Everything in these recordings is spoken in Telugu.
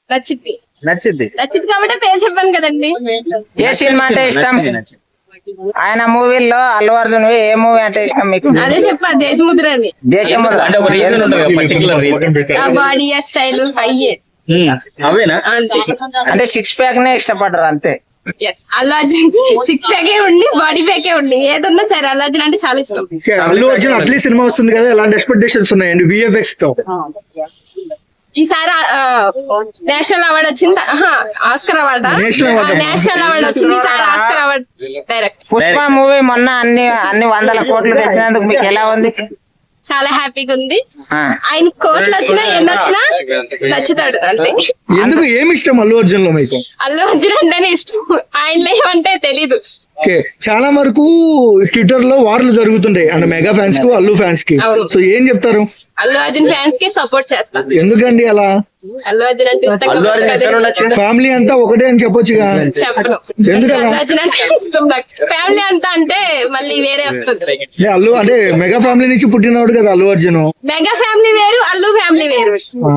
నచ్చింది నచ్చింది. నచ్చింది కాబట్టి పేరు చెప్పాను కదండి. ఏ సినిమా అంటే ఇష్టం? ఆయన మూవీల్లో అల్లు అర్జున్ ఏ మూవీ అంటే ఇష్టం మీకు? అదే చెప్పా, దేశముద్ర అని. దేశముద్ర. అంటే ఒక రీజన్ ఉంటుంది కదా, పర్టికులర్ రీజన్. ఆ బాడీ, ఆ స్టైల్, అయ్యే అవేనా? అంతే. అంటే 6 ప్యాక్ నే ఇష్టపడరు అంతే. ఎస్, అల్లు అర్జున్ 6 ప్యాకే ఉండి బాడీ ప్యాకే ఉండి ఏదున్నా సరే అల్లు అర్జున్ అంటే చాలా ఇష్టం. అల్లు అర్జున్ అట్లీస్ట్ సినిమా వస్తుంది కదా, ఎలాంటి ఎక్స్పెక్టేషన్స్ ఉన్నాయండి విఎఫ్ఎక్స్ తో? ఈసారి నేషనల్ అవార్డు వచ్చింది, ఆస్కర్ అవార్డ్, నేషనల్ అవార్డు వచ్చింది. ఈసారి Oscar award direct. Pushpa movie మొన్న అన్ని 100 కోట్లు తెచ్చినందుకు మీకు ఎలా ఉంది? చాలా హ్యాపీగా ఉంది. ఆయన కోట్లు వచ్చినా ఎన్ని వచ్చినా నచ్చుతాడు అంతే. ఎందుకు ఏమి ఇష్టం అల్లు అర్జున్ లో మీకు? అల్లు అర్జున్ అంటేనే ఇష్టం, ఆయన ఏమంటే తెలీదు. ఓకే, చాలా వరకు ట్విట్టర్ లో వార్లు జరుగుతుంటాయి అంటే మెగా ఫ్యాన్స్ కు అల్లు ఫ్యాన్స్ కి. సో ఏం చెప్తారు? అల్లు అర్జున్ ఫ్యాన్స్ కి సపోర్ట్ చేస్తా. ఎందుకండి అలా? అల్లు అర్జున్ అంటే ఇష్టం. ఫ్యామిలీ అంతా ఒకటే అని చెప్పొచ్చుగా. చెప్పను, ఎందుకు అల్లు అర్జున్ అంటే ఇష్టం నాకు. ఫ్యామిలీ అంతా అంటే మళ్ళీ వేరే వస్తుంది. అల్లు అంటే మెగా ఫ్యామిలీ నుంచి పుట్టినవాడు కదా అల్లు అర్జున్. మెగా ఫ్యామిలీ వేరు, అల్లు ఫ్యామిలీ వేరు.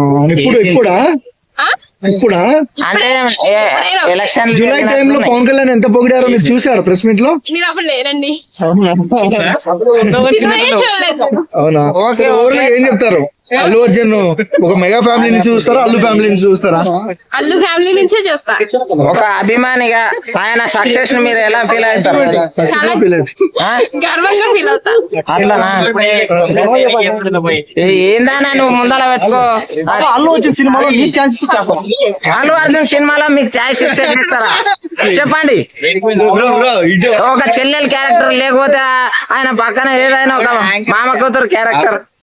ఇప్పుడా అంటే ఎలక్షన్ జూలై టైంలో పవన్ కళ్యాణ్ ఎంత పొగిడారో మీరు చూసారా ప్రెస్ మీట్ లో? మీరు అప్పుడు లేరండి, అవునా? సినిమాయే చూడలేదు. అవునా? ఏం చెప్తారు? అల్లు అర్జున్ ఒక మెగా ఫ్యామిలీ నుంచి చూస్తారా, అల్లు ఫ్యామిలీ నుంచి చూస్తారా? అల్లు ఫ్యామిలీ నుంచే చూస్తా. ఒక అభిమానిగా ఆయన సక్సెస్ ని మీరు ఎలా ఫీల్ అవుతారు? చాలా గర్వంగా ఫీల్ అవుతా. అట్లనా? ఏందన్నా నువ్వు ముందర పెట్టుకో. అల్లు అర్జున్ సినిమాలో అల్లు అర్జున్ సినిమాలో మీకు ఛాయిస్ ఇస్తే చేస్తారా చెప్పండి? ఒక చెల్లెలు క్యారెక్టర్ లేకపోతే ఆయన పక్కన ఏదైనా ఒక మామ కూతురు క్యారెక్టర్